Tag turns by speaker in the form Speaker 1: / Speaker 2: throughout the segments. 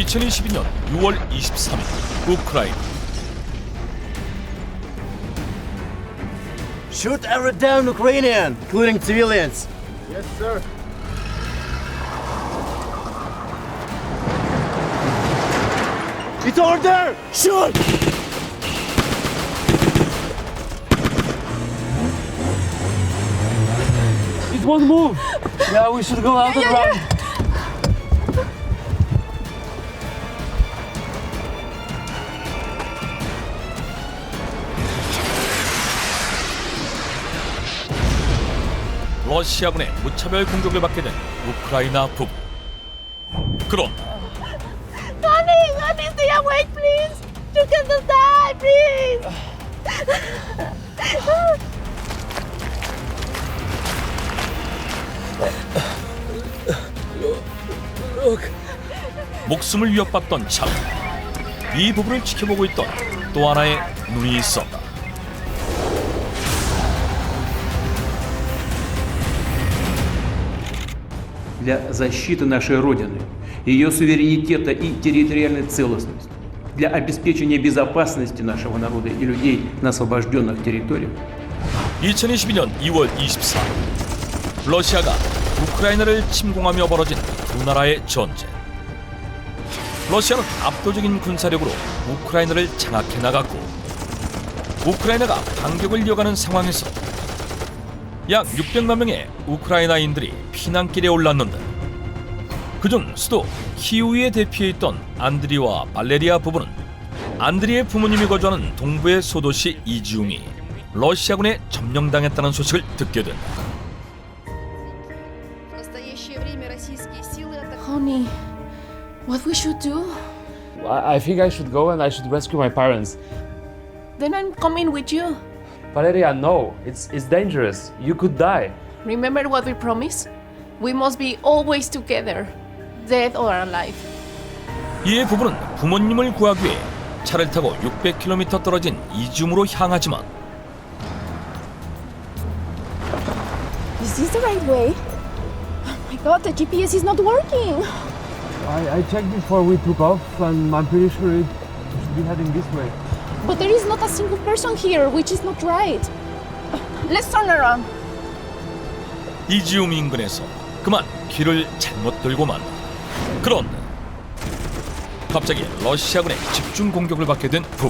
Speaker 1: 2022년 6월 23일 우크라이나.
Speaker 2: Shoot every damn Ukrainian, including civilians.
Speaker 3: Yes, sir.
Speaker 2: It's over there! Shoot!
Speaker 3: It won't move. Yeah, we should go out and run.
Speaker 1: 러시아군의 무차별 공격을 받게 된 우크라이나 부부. 그런다.
Speaker 4: Honey, stay awake, please. You can just die, please.
Speaker 1: 목숨을 위협받던 참. 이 부부를 지켜보고 있던 또 하나의 눈이 있었다.
Speaker 5: для защиты нашей Родины, ее суверенитета и территориальной целостности, для обеспечения безопасности нашего народа и людей на освобожденных территориях.
Speaker 1: 2022년 2월 24일 러시아가 우크라이나를 침공하며 벌어진 두 나라의 전쟁. 러시아는 압도적인 군사력으로 우크라이나를 장악해 나갔고 우크라이나가 반격을 이어가는 상황에서 약 600만 명의 우크라이나인들이 피난길에 올랐는데 그중 수도 키우이에 대피해 있던 안드리와 발레리아 부부는 안드리의 부모님이 거주하는 동부의 소도시 이지움이 러시아군에 점령당했다는 소식을 듣게 된다.
Speaker 4: Honey, what we should do?
Speaker 3: I think I should go and I should rescue my parents.
Speaker 4: Then I'm coming with you.
Speaker 3: Valeria, no. It's dangerous. You could die.
Speaker 4: Remember what we promised? We must be always together, dead or alive.
Speaker 1: 이에 부부는 부모님을 구하기 위해 차를 타고 600km 떨어진 이지움으로 향하지만
Speaker 4: Is this the right way? Oh my god, the GPS is not working.
Speaker 3: I checked before we took off and I'm pretty sure it should be heading this way.
Speaker 4: But there is not a single person here, which is not right. Let's turn around.
Speaker 1: 이지움 인근에서 그만 길을 잘못 들고 만다. 그런데 갑자기 러시아군의 집중 공격을 받게 된 부부.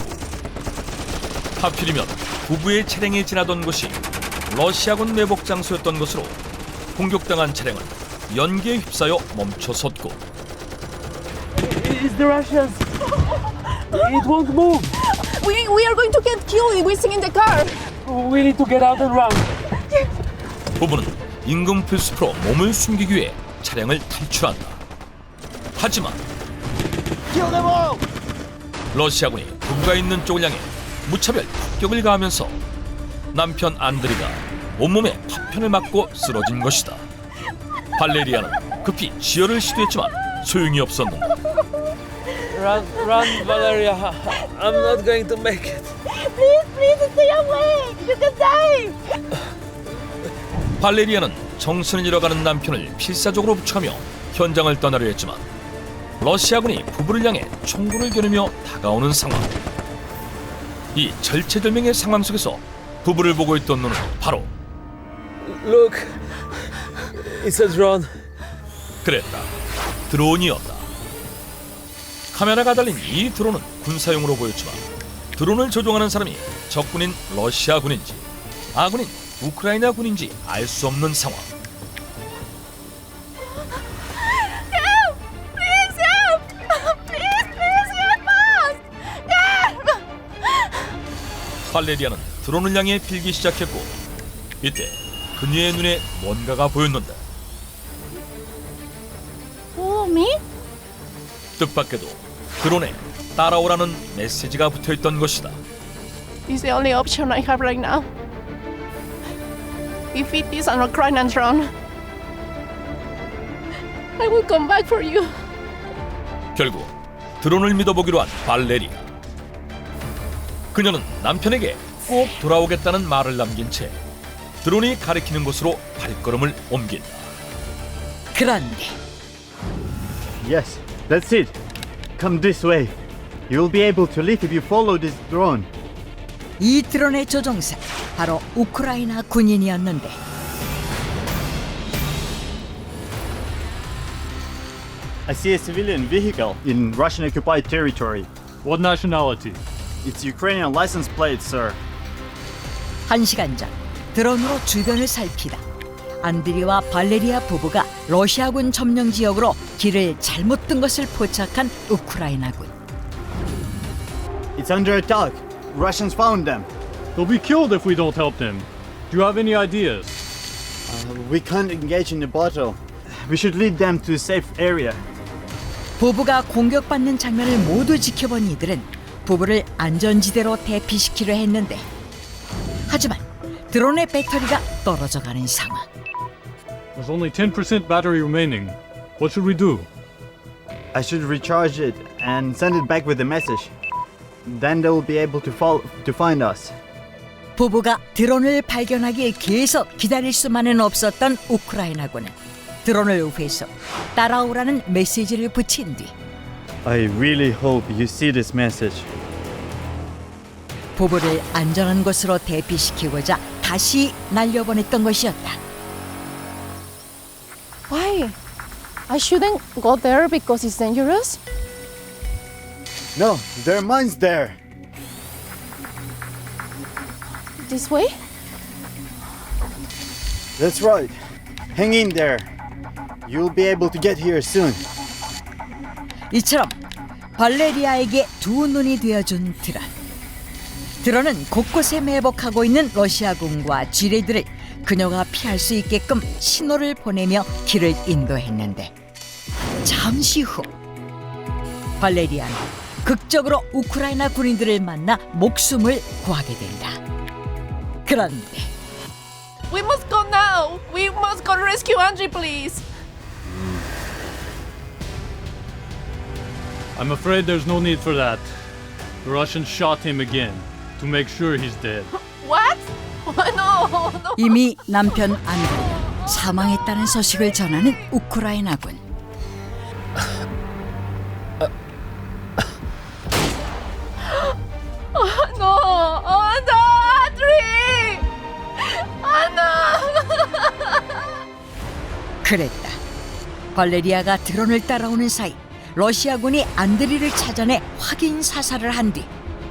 Speaker 1: 하필이면 부부의 차량이 지나던 곳이 러시아군 매복 장소였던 것으로 공격당한 차량은 연기에 휩싸여 멈춰섰고
Speaker 3: It's the Russians. It won't move.
Speaker 4: We are going to get killed if we sing in the car.
Speaker 3: We need to get out and run.
Speaker 1: 부부는 인근 필수프로 몸을 숨기기 위해 차량을 탈출한다. 하지만
Speaker 2: Kill them all!
Speaker 1: 러시아군이 부부가 있는 쪽을 향해 무차별 폭격을 가하면서 남편 안드리가 온몸에 파편을 맞고 쓰러진 것이다. 발레리아는 급히 지혈을 시도했지만 소용이 없었는다.
Speaker 3: Run, Valeria. I'm not going to make it.
Speaker 4: Please stay away. You can die.
Speaker 1: 발레리아는 정신을 잃어가는 남편을 필사적으로 부축하며 현장을 떠나려 했지만 러시아군이 부부를 향해 총구를 겨누며 다가오는 상황. 이 절체절명의 상황 속에서 부부를 보고 있던 눈은 바로
Speaker 3: Look, it's a drone.
Speaker 1: 그랬다. 드론이었다. 카메라가 달린 이 드론은 군사용으로 보였지만 드론을 조종하는 사람이 적군인 러시아군인지 아군인 우크라이나군인지 알 수 없는 상황.
Speaker 4: Help! Please help! Please help us! Help!
Speaker 1: 발레리아는 드론을 향해 빌기 시작했고 이때 그녀의 눈에 뭔가가 보였는데
Speaker 4: Follow me?
Speaker 1: 뜻밖에도 드론에 따라오라는 메시지가 붙어있던 것이다.
Speaker 4: It's the only option I have right now. If it is an Ukrainian drone, I will come back for you.
Speaker 1: 결국 드론을 믿어보기로 한 발레리아. 그녀는 남편에게 꼭 돌아오겠다는 말을 남긴 채 드론이 가리키는 곳으로 발걸음을 옮긴다.
Speaker 6: 그런데
Speaker 2: Yes, that's it. Come this way. You'll be able to live if you follow this drone.
Speaker 6: 이 드론의 조종사 바로 우크라이나 군인이었는데
Speaker 2: I see a civilian vehicle in Russian-occupied territory.
Speaker 7: What nationality?
Speaker 2: It's Ukrainian license plate, sir.
Speaker 6: 1시간 전 드론으로 주변을 살피다 안드리와 발레리아 부부가 러시아군 점령 지역으로 길을 잘못 든 것을 포착한 우크라이나군.
Speaker 2: It's under attack. Russians found them.
Speaker 7: They'll be killed if we don't help them. Do you have any ideas?
Speaker 2: We can't engage in the battle. We should lead them to a safe area.
Speaker 6: 부부가 공격받는 장면을 모두 지켜본 이들은 부부를 안전지대로 대피시키려 했는데 하지만 드론의 배터리가 떨어져가는 상황.
Speaker 7: There's only 10% battery remaining. What should we do?
Speaker 2: I should recharge it and send it back with a message. Then they will be able to find us.
Speaker 6: 부부가 드론을 발견하길 계속 기다릴 수만은 없었던 우크라이나군은 드론을 회수, 따라오라는 메시지를 붙인 뒤
Speaker 2: I really hope you see this message.
Speaker 6: 부부를 안전한 곳으로 대피시키고자 다시 날려보냈던 것이었다.
Speaker 4: Why? I shouldn't go there because it's dangerous.
Speaker 2: No, there are mines there.
Speaker 4: This way?
Speaker 2: That's right. Hang in there. You'll be able to get here soon.
Speaker 6: 이처럼 발레리아에게 두 눈이 되어준 드론. 드론은 곳곳에 매복하고 있는 러시아군과 쥐레들을 그녀가 피할 수 있게끔 신호를 보내며 길을 인도했는데 잠시 후 발레리아는 극적으로 우크라이나 군인들을 만나 목숨을 구하게 된다. 그런데
Speaker 4: We must go now. We must go rescue Andrei, please.
Speaker 7: I'm afraid there's no need for that. The Russians shot him again to make sure he's dead.
Speaker 4: What? No, no.
Speaker 6: 이미 남편 안드레가 사망했다는 소식을 전하는 우크라이나군.
Speaker 4: No, oh no, Andrei! Oh no!
Speaker 6: 그랬다. 발레리아가 드론을 따라오는 사이 러시아군이 안드리를 찾아내 확인 사살을 한 뒤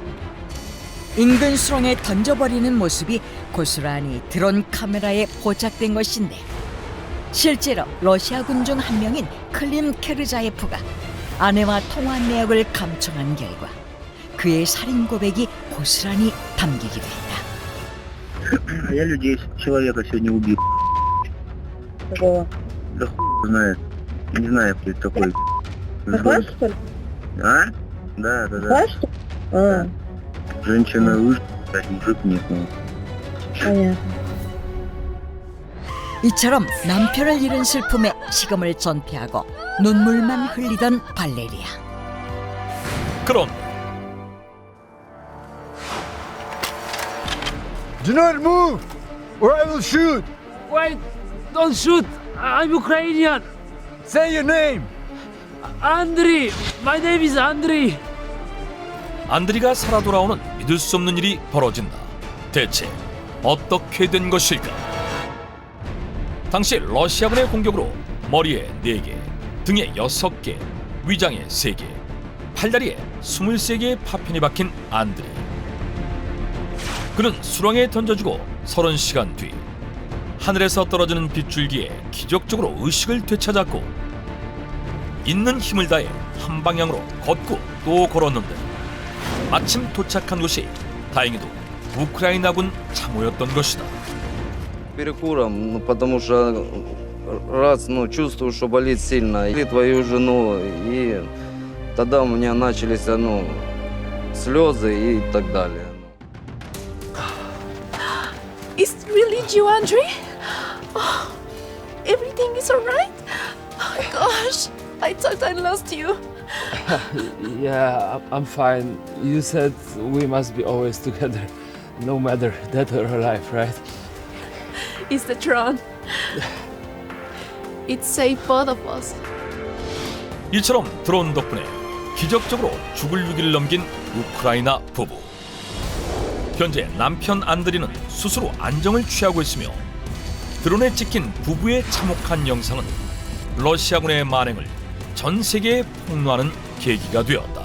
Speaker 6: 인근 수렁에 던져버리는 모습이 고스란히 드론 카메라에 포착된 것인데 실제로 러시아군 중 한 명인 클림 케르자예프가 아내와 통화 내역을 감청한 결과 그의 살인 고백이 고스란히 담기기도 했다.
Speaker 8: Я людей человека сегодня убил.
Speaker 9: Какого?
Speaker 8: Да хуй знает. Не знаю, кто это такой.
Speaker 9: Захват, что ли?
Speaker 8: А? Да, да, да.
Speaker 9: Захват, что ли? А,
Speaker 8: Женщина вышла, мужик нет. Ну.
Speaker 9: понятно.
Speaker 6: 이처럼 남편을 잃은 슬픔에 식음을 전폐하고 눈물만 흘리던 발레리아.
Speaker 1: 그런
Speaker 2: Do not move, or I will shoot.
Speaker 3: Wait! Don't shoot! I'm Ukrainian!
Speaker 2: Say your name.
Speaker 3: Andriy! My name is Andriy!
Speaker 1: 안드리가 살아 돌아오는 믿을 수 없는 일이 벌어진다. 대체 어떻게 된 것일까? 당시 러시아군의 공격으로 머리에 4개, 등에 6개, 위장에 3개, 팔다리에 23개의 파편이 박힌 안드레. 그는 수렁에 던져주고 30시간 뒤 하늘에서 떨어지는 빗줄기에 기적적으로 의식을 되찾았고 있는 힘을 다해 한 방향으로 걷고 또 걸었는데 마침 도착한 곳이 다행히도 우크라이나군 참호였던 것이다.
Speaker 10: Перекуром, ну, потому что раз, чувствую, что болит сильно, и твою жену, и тогда у меня начались, слезы и так далее.
Speaker 4: It's really you, Andrei? Oh, everything is alright? Oh gosh, I thought I lost you.
Speaker 3: Yeah, I'm fine. You said we must be always together, no matter dead or alive, right?
Speaker 4: It's the drone. It saved both of us.
Speaker 1: 이처럼 드론 덕분에 기적적으로 죽을 위기를 넘긴 우크라이나 부부. 현재 남편 안드리는 스스로 안정을 취하고 있으며 드론에 찍힌 부부의 참혹한 영상은 러시아군의 만행을 전 세계에 폭로하는 계기가 되었다.